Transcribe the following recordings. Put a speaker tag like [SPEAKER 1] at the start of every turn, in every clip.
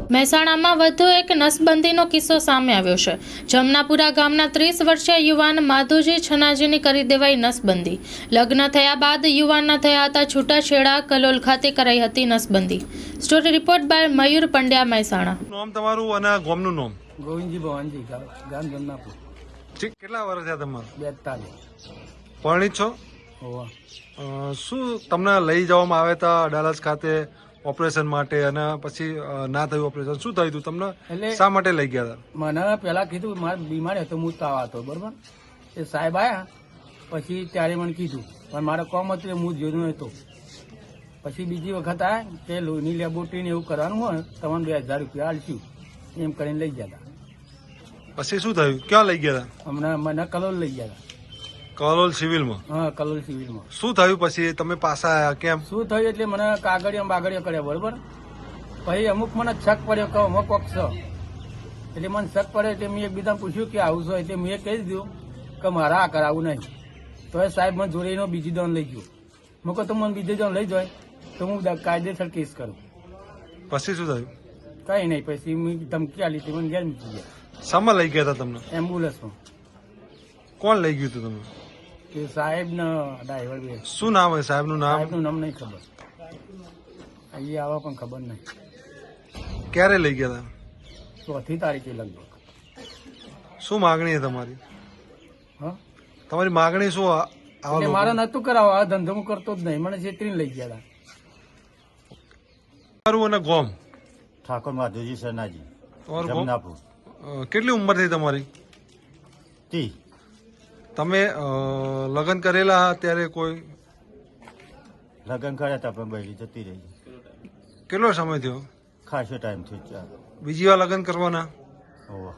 [SPEAKER 1] મહેસાણામાં વધુ એક નસબંધીનો કિસ્સો સામે આવ્યો છે। જમનાપુરા ગામના 30 વર્ષીય યુવાન માધુજી છનાજીની કરી દેવાઈ નસબંધી। લગ્ન થયા બાદ યુવાનના થયા હતા છૂટાછેડા। કલોલ ખાતે કરાઈ હતી નસબંધી। Story report by Mayur Pandya, Mehsana.
[SPEAKER 2] નામ તમારું અને ગામનું નામ?
[SPEAKER 3] ગોવિંદજી ભવાનજી, ગામ જમનાપુર।
[SPEAKER 2] ઠીક, કેટલા વર્ષ થયા તમારે?
[SPEAKER 3] 42।
[SPEAKER 2] પરણિત છો?
[SPEAKER 3] હોવા।
[SPEAKER 2] શું તમને લઈ જવામાં આવ્યા હતા અડાલજ ખાતે ઓપરેશન માટે અને પછી ના થયું ઓપરેશન? શું થયું હતું તમને?
[SPEAKER 3] એટલે
[SPEAKER 2] શા માટે લઈ ગયા હતા?
[SPEAKER 3] મને પેલા કીધું મારે બીમાર હતો, હું તાવ હતો, બરોબર। એ સાહેબ આવ્યા પછી ત્યારે મને કીધું, પણ મારે કોમ હતું હું જોયું હતો। પછી બીજી વખત આવ્યા કે લોહીની લેબોરેટરી ને એવું કરવાનું હોય તમને 2000 રૂપિયા આલશું, એમ કરીને લઈ ગયા હતા।
[SPEAKER 2] પછી શું થયું? ક્યાં લઈ ગયા હતા?
[SPEAKER 3] હમણાં મને કલોલ લઈ ગયા હતા।
[SPEAKER 2] કલોલ સિવિલમાં?
[SPEAKER 3] હા, કલોલ સિવિલમાં।
[SPEAKER 2] શું થયું પછી? તમે પાછા આવ્યા કેમ?
[SPEAKER 3] શું થયું એટલે મને કાગળિયા બાગળિયા કર્યા, બરોબર। પછી અમુક મને શક પડ્યો કે અમુક કોક છે, એટલે મને શક પડ્યો એટલે મેં એકબીજાને પૂછ્યું કે આવું છે, એટલે મેં કહી દીધું કે મારે આ કરાવવું નહીં। તો એ સાહેબ મને જોડે એનો બીજી દોન લઈ ગયો। મેં કહું તો મને બીજી દોન લઈ જાય તો હું કાયદેસર કેસ કરું।
[SPEAKER 2] પછી શું થયું?
[SPEAKER 3] કઈ નહીં, પછી મેં ધમકી આલી હતી, મને ઘેર મૂકી ગયા।
[SPEAKER 2] શામાં લઈ ગયા હતા તમને?
[SPEAKER 3] એમ્બ્યુલન્સમાં।
[SPEAKER 2] કોણ લઈ ગયું હતું તમને?
[SPEAKER 3] કે સાહેબ ને ડ્રાઈવર બે।
[SPEAKER 2] શું નામ હોય સાહેબનું નામ?
[SPEAKER 3] સાહેબનું નામ નહીં ખબર, અહીંયા આવા પણ ખબર નહીં।
[SPEAKER 2] ક્યારે લઈ ગયા હતા?
[SPEAKER 3] 4મી તારીખે લગભગ।
[SPEAKER 2] શું માગણી છે તમારી?
[SPEAKER 3] હા,
[SPEAKER 2] તમારી માગણી શું?
[SPEAKER 3] એટલે મારે નતું કરાવવા, આ ધંધો હું કરતો જ નહીં, મને છેતરીને લઈ ગયા હતા।
[SPEAKER 2] તમારું અને ગોમ?
[SPEAKER 4] ઠાકોર માધુજી સરનાજી,
[SPEAKER 2] તમારું ગોમ?
[SPEAKER 4] જમનાપુર।
[SPEAKER 2] કેટલી ઉંમર થઈ તમારી?
[SPEAKER 4] 30।
[SPEAKER 2] તમે લગ્ન કરેલા ત્યારે કોઈ?
[SPEAKER 4] લગ્ન કર્યા હતા પણ બૈરી જતી રહી,
[SPEAKER 2] કેટલો સમય થયો?
[SPEAKER 4] ખાસો ટાઈમ થયો।
[SPEAKER 2] બીજી વાર લગ્ન કરવાના?
[SPEAKER 4] હોવા।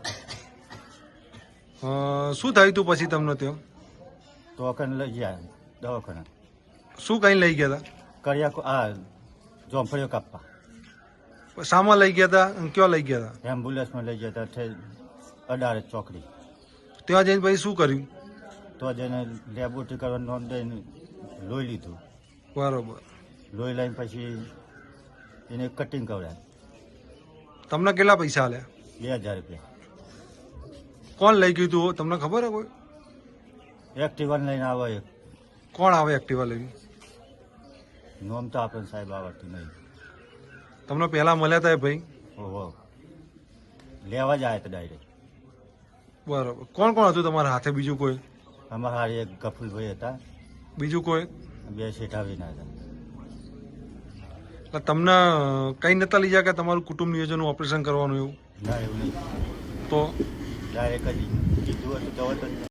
[SPEAKER 2] શું થયું તું પછી તમને ત્યાં?
[SPEAKER 4] તો કને લઈ ગયા દવાખાના।
[SPEAKER 2] શું કઈ લઈ ગયા
[SPEAKER 4] કર્યા આ જોંફળીઓ કાપવા।
[SPEAKER 2] હતા? શામાં લઈ ગયા હતા અને ક્યાં લઈ ગયા હતા?
[SPEAKER 4] એમ્બ્યુલન્સમાં લઈ ગયા હતા, અડારે ચોકડી।
[SPEAKER 2] ત્યાં જઈને પછી શું કર્યું?
[SPEAKER 4] તો જઈને લેબોરેટરી કરવા નોંધ દઈને લોહી લીધું।
[SPEAKER 2] બરોબર।
[SPEAKER 4] લોહી લઈને પછી એને કટિંગ કરાવ્યા।
[SPEAKER 2] તમને કેટલા પૈસા આલ્યા?
[SPEAKER 4] 2000 રૂપિયા।
[SPEAKER 2] કોણ લઈ ગયું તું તમને ખબર હે કોઈ?
[SPEAKER 4] એક્ટિવા લઈને આવે એક।
[SPEAKER 2] કોણ આવે એક્ટિવા લઈને?
[SPEAKER 4] નોમ તો આપણને સાહેબ આવડતું નહીં।
[SPEAKER 2] તમને પહેલા મળ્યા હતા એ ભાઈ?
[SPEAKER 4] ઓહો, લેવા જ આવ્યા હતા ડાયરેક્ટ।
[SPEAKER 2] બરોબર। કોણ કોણ હતું તમારા હાથે? બીજું કોઈ?
[SPEAKER 4] અમારા હારી એક ગફુલભાઈ હતા,
[SPEAKER 2] બીજું કોઈ?
[SPEAKER 4] 2 શેઠાવીના હતા।
[SPEAKER 2] એટલે તમને કઈ નતા લઈ જાય કે તમારું કુટુંબ નિયોજન ઓપરેશન કરવાનું એવું?
[SPEAKER 4] ના, એવું નહીં,
[SPEAKER 2] તો
[SPEAKER 4] ડાયરેક્ટ જ કીધું હતું જવા જ।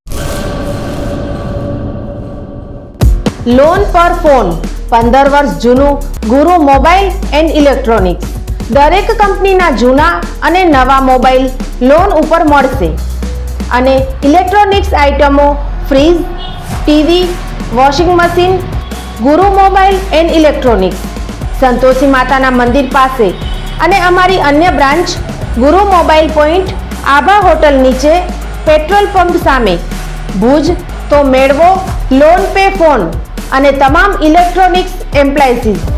[SPEAKER 5] લોન પર ફોન 15 વર્ષ જૂનું ગુરુ મોબાઈલ એન્ડ ઇલેક્ટ્રોનિક્સ। દરેક કંપનીના જૂના અને નવા મોબાઈલ લોન ઉપર મળશે અને ઇલેક્ટ્રોનિક્સ આઇટમો fridge, TV, washing machine. Guru mobile and electronics, Santoshi માતાના મંદિર પાસે અને અમારી અન્ય branch Guru mobile point, Abha hotel નીચે, પેટ્રોલ પંપ સામે, ભુજ। તો મેળવો લોન પે ફોન અને તમામ ઇલેક્ટ્રોનિક્સ એપ્લાયન્સીસ।